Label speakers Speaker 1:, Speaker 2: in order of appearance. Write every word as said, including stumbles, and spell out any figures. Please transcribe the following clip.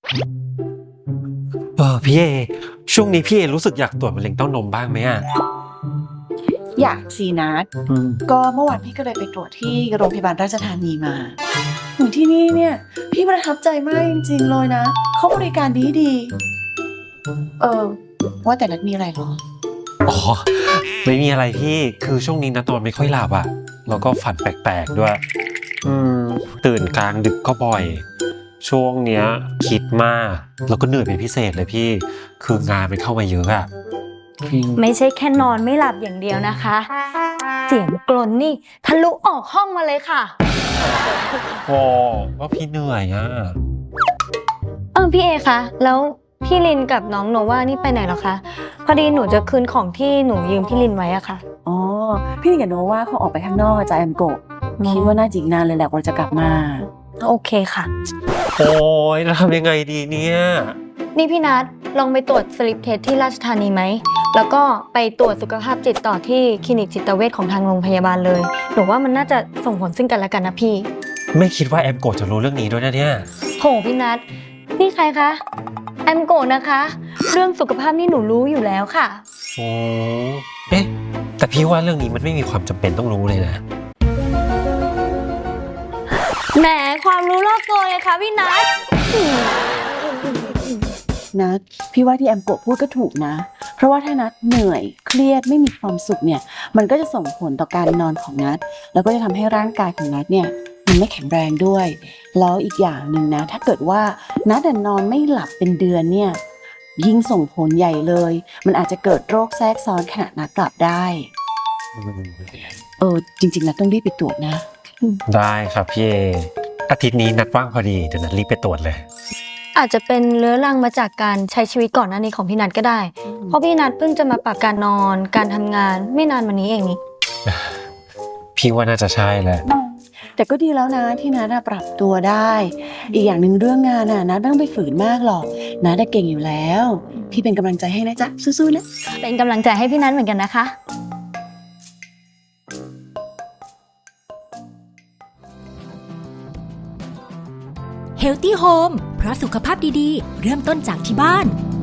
Speaker 1: เออพี่เอช่วงนี้พี่เอรู้สึกอยากตรวจมะเร็งเต้านมบ้างไหมอ่ะ
Speaker 2: อยากสินัดก็เมื่อวานพี่ก็เลยไปตรวจที่โรงพยาบาลราชธานีมาถึงที่นี่เนี่ยพี่ประทับใจมากจริงๆเลยนะเขาบริการดีดีเออว่าแต่นัดมีอะไรหรอ
Speaker 1: อ๋อไม่มีอะไรพี่คือช่วงนี้นะตอนไม่ค่อยหลับอ่ะแล้วก็ฝันแปลกๆด้วยอืมตื่นกลางดึกก็บ่อยช่วงเนี้ยคิดมากแล้วก็เหนื่อยเป็นพิเศษเลยพี่คืองานมันเข้ามาเยอะอ่ะ
Speaker 3: ไม่ใช่แค่นอนไม่หลับอย่างเดียวนะคะ เสียงกรนนี่ทะลุออกห้องมาเลยค่ะ
Speaker 1: โอ้ว่าพี่เหนื่อยอ่ะ
Speaker 3: เออพี่เอคะแล้วพี่ลินกับน้องโนว่านี่ไปไหนหรอคะพอดีหนูจะคืนของที่หนูยืมพี่ลินไว้อะค่ะ
Speaker 2: อ๋อพี่กับโนว่าเขาออกไปข้างนอกจากแอมโกะคิดว่าน่าจะอีกนานเลยแหละกว่าจะกลับมา
Speaker 3: โอเคค่ะ
Speaker 1: โอ้ยแล้วทำยังไงดีเนี่ย
Speaker 3: นี่พี่นัทลองไปตรวจสลิปเทสที่ราชธานีไหมแล้วก็ไปตรวจสุขภาพจิตต่อที่คลินิกจิตเวชของทางโรงพยาบาลเลยหนูว่ามันน่าจะส่งผลซึ่งกันและกันนะพี่
Speaker 1: ไม่คิดว่าแอมโกะจะรู้เรื่องนี้ด้วยนะเนี่ย
Speaker 3: โหพี่นัทนี่ใครคะแอมโกะนะคะเรื่องสุขภาพนี่หนูรู้อยู่แล้วค่ะ
Speaker 1: โอ้เอ๊ะแต่พี่ว่าเรื่องนี้มันไม่มีความจำเป็นต้องรู้เลยนะ
Speaker 3: แหมความรู้รอบตัวไงคะพี่นัท
Speaker 2: นัดพี่ว่าที่แอมโกะพูดก็ถูกนะเพราะว่าถ้านัดเหนื่อยเครียดไม่มีความสุขเนี่ยมันก็จะส่งผลต่อการนอนของนัดแล้วก็จะทำให้ร่างกายของนัดเนี่ยมันไม่แข็งแรงด้วยแล้วอีกอย่างหนึ่งนะถ้าเกิดว่านัดนอนไม่หลับเป็นเดือนเนี่ยยิ่งส่งผลใหญ่เลยมันอาจจะเกิดโรคแทรกซ้อนขณะนัดหลับได้เออจริงๆนัดต้องรีบไปตรวจนะ
Speaker 1: ได้ครับพี่เออาทิตย์นี้นัดว่างพอดีเดี๋ยวนัดรีบไปตรวจเลย
Speaker 3: อาจจะเป็นเรื้อรังมาจากการใช้ชีวิตก่อนหน้านี้ของพี่นัทก็ได้เพราะพี่นัทเพิ่งจะมาปรับการนอนการทำงานไม่นานมานี้เองนี่
Speaker 1: พี่ว่าน่าจะใช่แหละ
Speaker 2: แต่ก็ดีแล้วนะที่นัดปรับตัวได้อีกอย่างหนึ่งเรื่องงานน่ะนัดไม่ต้องไปฝืนมากหรอกนัดเก่งอยู่แล้วพี่เป็นกำลังใจให้นะจ๊ะสู้ๆนะ
Speaker 3: เป็นกำลังใจให้พี่นัทเหมือนกันนะคะ
Speaker 4: Healthy Home เพราะสุขภาพดีๆเริ่มต้นจากที่บ้าน